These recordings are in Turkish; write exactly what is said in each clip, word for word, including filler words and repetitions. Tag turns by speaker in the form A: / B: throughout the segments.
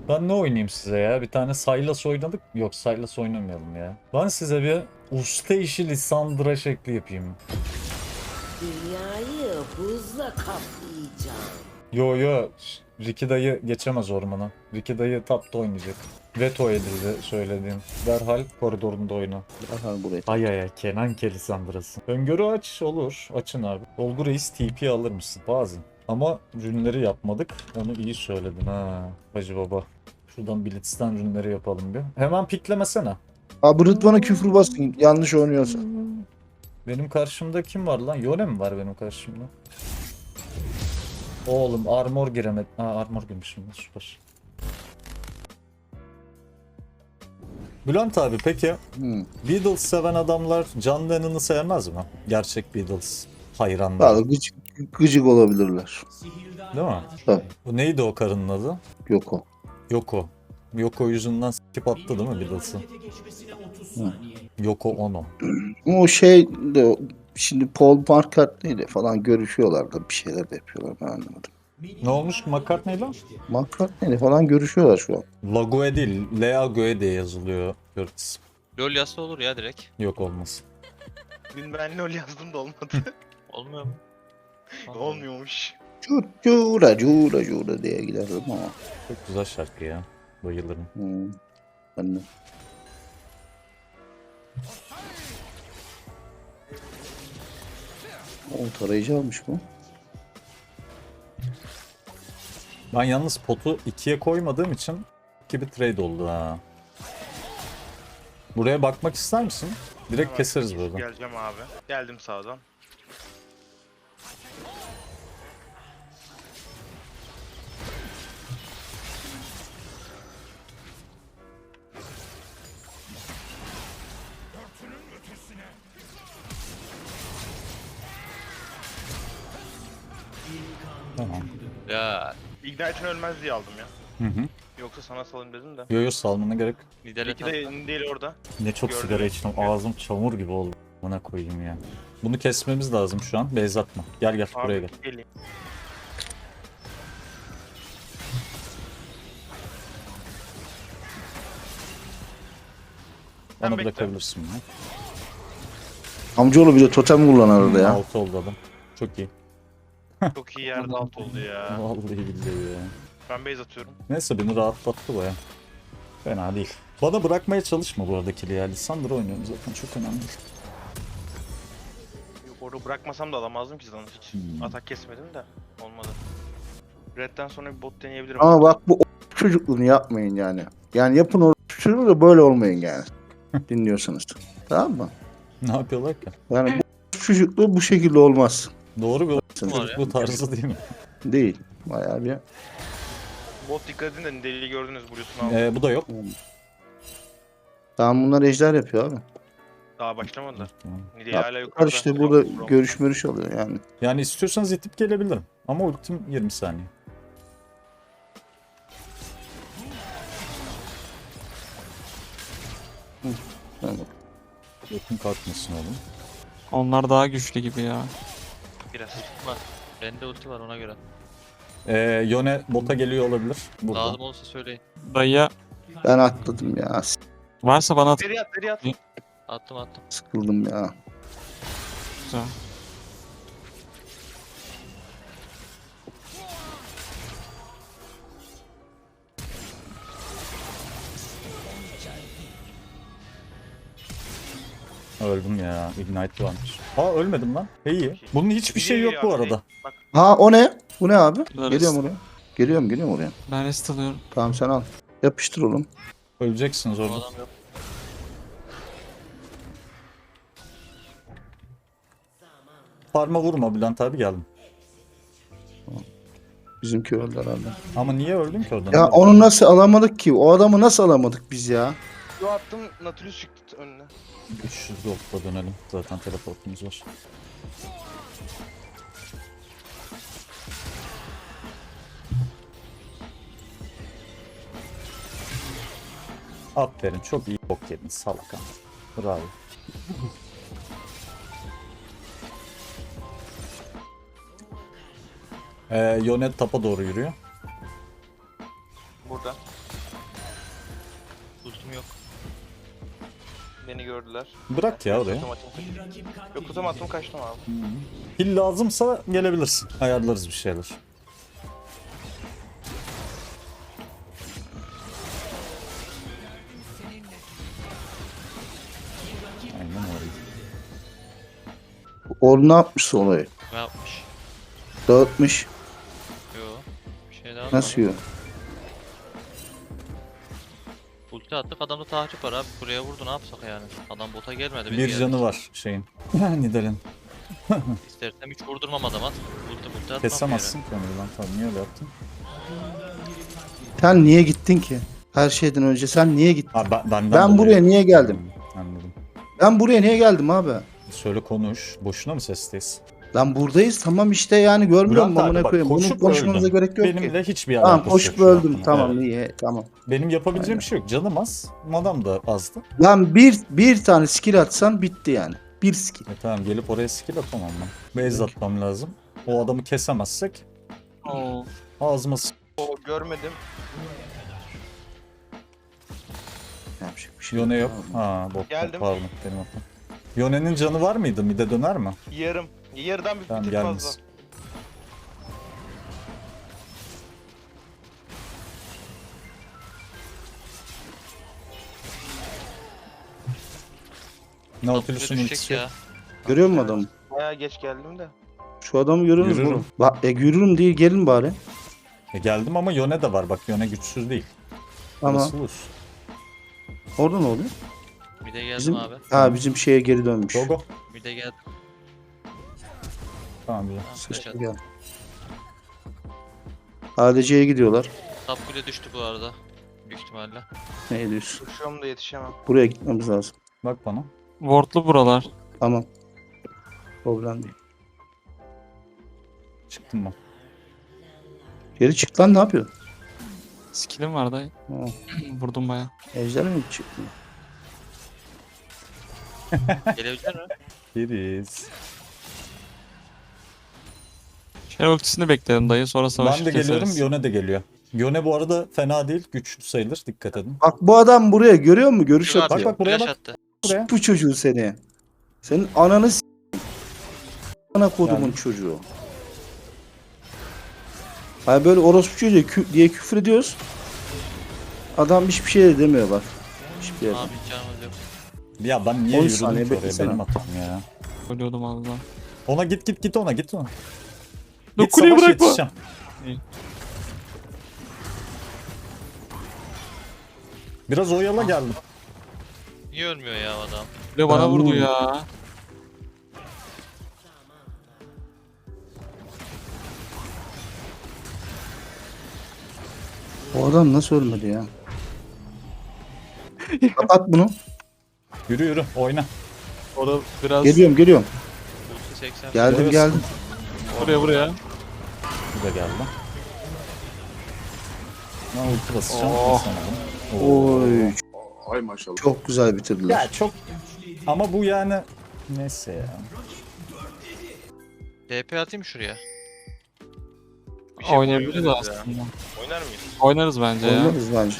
A: Ben ne oynayayım size ya? Bir tane Sylas oynadık. Yok, Sylas oynamayalım ya. Ben size bir usta işi Lissandra şekli yapayım.
B: Dünyayı buzla kaplayacağım.
A: Yo yo. Ş- Ricky dayı geçemez ormana. Ricky dayı tapta oynayacak. Veto edildi söylediğim. Derhal koridorunda oyna.
C: Aha buraya.
A: Ay ay ay, Kenan Ke Lissandra'sı. Öngörü aç olur. Açın abi. Olgu Reis T P alır mısın? Bazen. Ama rünleri yapmadık. Onu iyi söyledin ha. Hacı baba. Şuradan Blitz'ten rünleri yapalım bir. Hemen piklemesene.
C: Abi Rıdvan'a küfür basın yanlış oynuyorsa.
A: Benim karşımda kim var lan? Yone mi var benim karşımda? Oğlum armor giremedi. Ha, armor girmişim. Süper. Bülent abi peki
C: Hmm.
A: Beatles seven adamlar John Lennon'ı sevmez mi? Gerçek Beatles hayranları.
C: Valla gıcık, gıcık olabilirler.
A: Değil mi?
C: Tabii.
A: Bu neydi o karının adı?
C: Yok o.
A: Yoko. Yoko yüzünden skip attı değil mi Beatles'ı?
C: Hı.
A: Yoko Ono.
C: O şey de şimdi Paul McCartney ile falan görüşüyorlar da bir şeyler de yapıyorlar ben anlamadım.
A: Ne olmuş McCartney lan?
C: McCartney ile falan görüşüyorlar şu an.
A: Lagoe değil, Leagoe diye yazılıyor Curtis.
D: LoL yazsa olur ya direkt.
A: Yok olmaz.
E: Dün ben LoL yazdım da olmadı.
D: Olmuyor mu?
E: Olmuyormuş.
C: Cura cura cura cura diye giderdim ama.
A: Çok güzel şarkı ya. Bayılırım.
C: Hmm. Ben de. O tarayıcı almış bu.
A: Ben yalnız potu ikiye koymadığım için iki bir trade oldu ha. Buraya bakmak ister misin? Direkt
E: Hemen
A: keseriz buradan.
E: Geleceğim abi. Geldim sağdan.
A: Tamam.
D: Ya
E: Ignite'ın ölmez diye aldım ya.
A: Hı hı.
E: Yoksa sana salayım dedim de.
A: Yo yo, salmana gerek.
D: lider
E: İki de değil orada.
A: Ne çok
E: Gördüm.
A: sigara içtim. Ağzım çamur gibi oldu. Bana koyayım ya. Bunu kesmemiz lazım şu an. Beyz atma. Gel gel buraya
E: Abi
A: gel.
E: geleyim.
A: Bana
E: Sen bekle.
A: bırakabilirsin bunu.
C: Amcaoğlu bir de totem kullanır orada ya.
A: Altı oldu adam. Çok iyi.
E: Çok iyi yerde alt oldu ya.
A: Vallahi billahi ya.
E: Ben base atıyorum.
A: Neyse beni rahatlattı baya. Fena değil. Bana bırakmaya çalışma bu arada kili ya. Lissandra oynuyorum zaten, çok önemli değil.
E: Yok orada bırakmasam da alamazdım ki zaten hiç.
A: Hmm.
E: Atak kesmedim de. Olmadı. Red'den sonra bir bot deneyebilirim.
C: Ama bak bu o- çocukluğunu yapmayın yani. Yani yapın o çocukluğu da böyle olmayın yani. Dinliyorsanız. Tamam mı?
A: Ne yapıyorlar ki?
C: Yani bu çocukluğu bu şekilde olmaz.
A: Doğru bir
C: Var
D: ya.
A: bu tarzı değil mi?
C: Değil. Bayağı bir.
E: Bot dikkat edin de deliği gördünüz Blue'sunu aldım.
A: Ee, bu da yok.
C: Tamam bunlar ejder yapıyor abi.
E: Daha başlamadılar.
A: Tamam.
E: Nidalee hala
C: Yaptılar
E: yukarıda.
C: işte burada
E: Yok,
C: görüş mörüş alıyor yani.
A: Yani istiyorsanız itip gelebilirim. Ama ultim yirmi saniye.
C: Yani
A: Ultim kalkmasın oğlum.
F: Onlar daha güçlü gibi ya.
E: Biraz.
D: var. Bende ulti var ona göre.
A: Ee, Yone bota geliyor olabilir. Burada.
D: Lazım olursa söyleyin.
F: Dayıya
C: ben atladım ya. s-
F: varsa bana at.
E: Deri at deri at.
D: Attım attım.
C: Sıkıldım ya.
F: Güzel.
A: Öldüm ya. Ignite varmış. Aa ölmedim lan. İyi. Bunun hiçbir şey yok bu arada.
E: Bak
C: Ha o ne? Bu ne abi?
F: Bunlar
C: Geliyorum
F: rest-
C: oraya. Geliyorum geliyorum oraya.
F: Ben rest alıyorum.
C: Tamam sen al. Yapıştır oğlum.
A: Öleceksiniz
D: Bu
A: orada.
D: adam yok.
A: Parma vurma Bülent abi, geldim.
C: Bizimki öldü herhalde.
A: Ama niye öldün ki oradan?
C: Ya onu nasıl alamadık ki? O adamı nasıl alamadık biz ya?
E: yo attım Nautilus çıktı önüne.
A: üç yüz gold'la dönelim. Zaten teleportumuz var. Aferin, çok iyi bok yedin salak ama. Bravo. Ee, Yone tapa doğru yürüyor.
E: Burada.
D: Ultim yok.
E: Beni gördüler.
A: Bırak ya oraya.
E: Kutum attım kaçtım. Yok kutum attım kaçtım abi.
A: Hil lazımsa gelebilirsin. Ayarlarız bir şeyler. Aynen öyle.
C: Or ne yapmış olayı?
D: Ne yapmış?
C: Dağıtmış.
D: Yo. Bir şey daha
C: Nasıl yiyor?
D: Ulti attık, adamda tahrip var abi. Buraya vurdu, ne yapsak yani? Adam bota gelmedi. biz
A: Bir
D: geldik.
A: canı var şeyin. Nidal'in.
D: İstersem hiç vurdurmam adama. Ulti ulti atmam
A: Kesemezsin ki onu lan. Tabii niye öyle yaptın?
C: Sen niye gittin ki? Her şeyden önce sen niye gittin?
A: Ha, ben, benden
C: Ben
A: dolayı.
C: buraya niye geldim?
A: Hmm, Anladım.
C: Ben buraya niye geldim abi?
A: Şöyle konuş. Boşuna mı sesteyiz?
C: Lan buradayız tamam işte yani görmüyor musun
A: Bülent abi
C: amına
A: bak,
C: koyayım? Bunu
A: koşup
C: konuşmamıza
A: öldüm.
C: gerek yok ki.
A: Benimle hiçbir alakası
C: Tamam koşup
A: yok şu
C: öldüm
A: an.
C: tamam
A: Evet.
C: iyi tamam.
A: Benim yapabileceğim bir şey yok. Canım az. Madam da azdı.
C: Lan bir bir tane skill atsan bitti yani. Bir skill.
A: E tamam gelip oraya skill atamam ben. Base atmam lazım. O adamı kesemezsek
F: Oo.
A: ağzıma s-
E: O görmedim.
C: Yapacak bir şey
A: Yone yok.
C: Tamam.
A: Ha bot
E: Geldim.
A: pardon benim hatam. Yone'nin canı var mıydı? Mide döner mi?
E: Yarım. Yarıdan bir,
A: Tamam
E: bir tık
A: gelmez.
E: fazla.
A: Nautilus'un
D: Düşecek
A: ultisi
D: ya.
A: yok.
C: Görüyor musun adamı?
E: Bayağı geç geldim de.
C: Şu adamı görüyor musun?
A: Yürürüm.
C: oğlum? Bak e, yürürüm değil gelin bari.
A: E, geldim ama Yone de var. Bak Yone güçsüz değil.
C: Ama
A: Nasıl olur?
C: orada ne oluyor?
D: Bir de geldim
C: Bizim
D: abi.
C: ha bizim şeye geri dönmüş.
A: Go go.
D: Bir de geldim.
A: Tamam güzel.
D: Tamam,
C: Sıçtı
D: flash attım.
C: gel. A D C'ye gidiyorlar.
D: Top kule düştü bu arada. Büyük ihtimalle.
C: Ne diyorsun?
E: Koşuyorum da yetişemem.
C: Buraya gitmemiz lazım.
A: Bak bana.
F: Wardlu buralar.
C: Tamam. Problem değil.
A: Çıktım ben.
C: Geri çık lan ne yapıyorsun?
F: Skill'im var dayı.
C: Ha,
F: Vurdum baya.
C: ejder mi çıktı?
D: Gelebilecek mi?
A: Giriz.
F: Şey ultisini beklerim dayı, sonra savaşı
A: Ben de
F: keseriz.
A: geliyorum. Yone de geliyor. Yone bu arada fena değil. Güçlü sayılır. Dikkat edin.
C: Bak bu adam buraya görüyor musun? Görüş
D: Bak,
C: atıyor.
A: bak, buraya
D: flash
A: bak.
D: attı.
A: Buraya.
C: Bu çocuğu seni. Senin ananı s***. Ana kodumun
A: Yani.
C: çocuğu. Hani böyle orospu çocuğu kü- diye küfür ediyoruz. Adam hiçbir şey de demiyor bak. Hiçbir yerden.
D: Abi canımız yok.
A: Ya ben niye
C: on
A: yürüdüm
C: saniye
A: ki oraya?
C: beklesene.
A: Benim hatam ya.
F: Ölüyordum az daha.
A: Ona git git git ona git ona.
F: Dur,
A: Git
F: kuleyi
A: savaş
F: bırakma.
A: yetişeceğim.
F: İyi.
A: Biraz oyala geldim.
D: Niye ölmüyor ya adam?
F: Kule bana
C: Ben
F: vurdu
C: vurdum.
F: ya.
C: O adam nasıl ölmedi ya? Kapat bunu.
A: Yürü yürü oyna.
F: Orada biraz
C: Geliyorum geliyorum.
D: Ulti seksen.
C: Geldim
A: Evet.
C: geldim.
F: buraya buraya.
A: Bu da geldi. Ben ulti basacağım.
F: Oh.
A: basamadım. Oo.
C: Oy.
G: Ay maşallah.
C: Çok güzel bitirdiler.
A: Ya çok ama bu yani neyse ya.
D: D P atayım şuraya.
E: Bir şey
F: Oynayabiliriz
E: koyabiliriz ya.
F: aslında.
E: Oynar mıyız?
F: Oynarız bence ya.
C: Oynarız bence.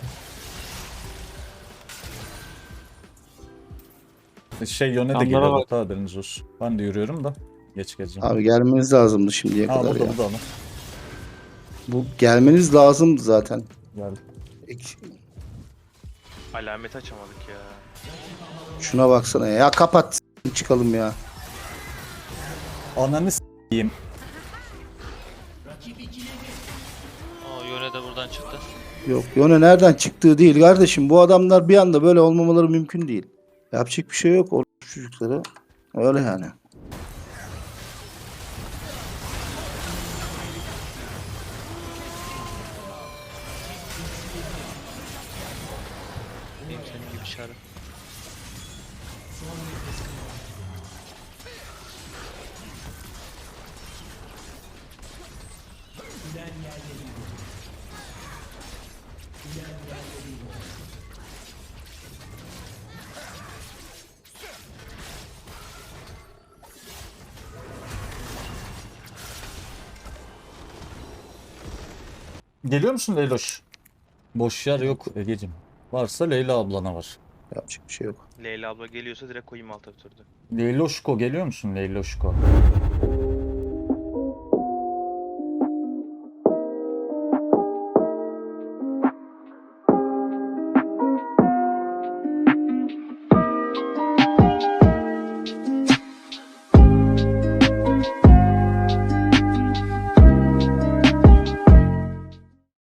A: Şey Yone de
F: Yanlara
A: geliyor
F: bak.
A: hatta haberiniz olsun. Ben de yürüyorum da geç geleceğim.
C: Abi gelmeniz lazımdı şimdiye
A: Ha
C: kadar
A: burada
C: ya.
A: burada ama.
C: Bu gelmeniz lazımdı zaten.
A: Geldi.
C: Ek-
E: Alamet açamadık ya.
C: Şuna baksana ya. Ya kapat s- çıkalım ya.
A: Ananı s**eyim.
D: Aa Yone de buradan çıktı.
C: Yok Yone nereden çıktığı değil kardeşim. Bu adamlar bir anda böyle olmamaları mümkün değil. Yapacak bir şey yok o çocuklara. Öyle yani.
D: Benim senin gibi çarı.
A: Geliyor musun Leyloş? Boş yer yok Ege'cim. Varsa Leyla ablana var.
C: Yapacak bir şey yok.
E: Leyla abla geliyorsa direkt koyayım alta bir turda.
A: Leyloşko geliyor musun Leyloşko?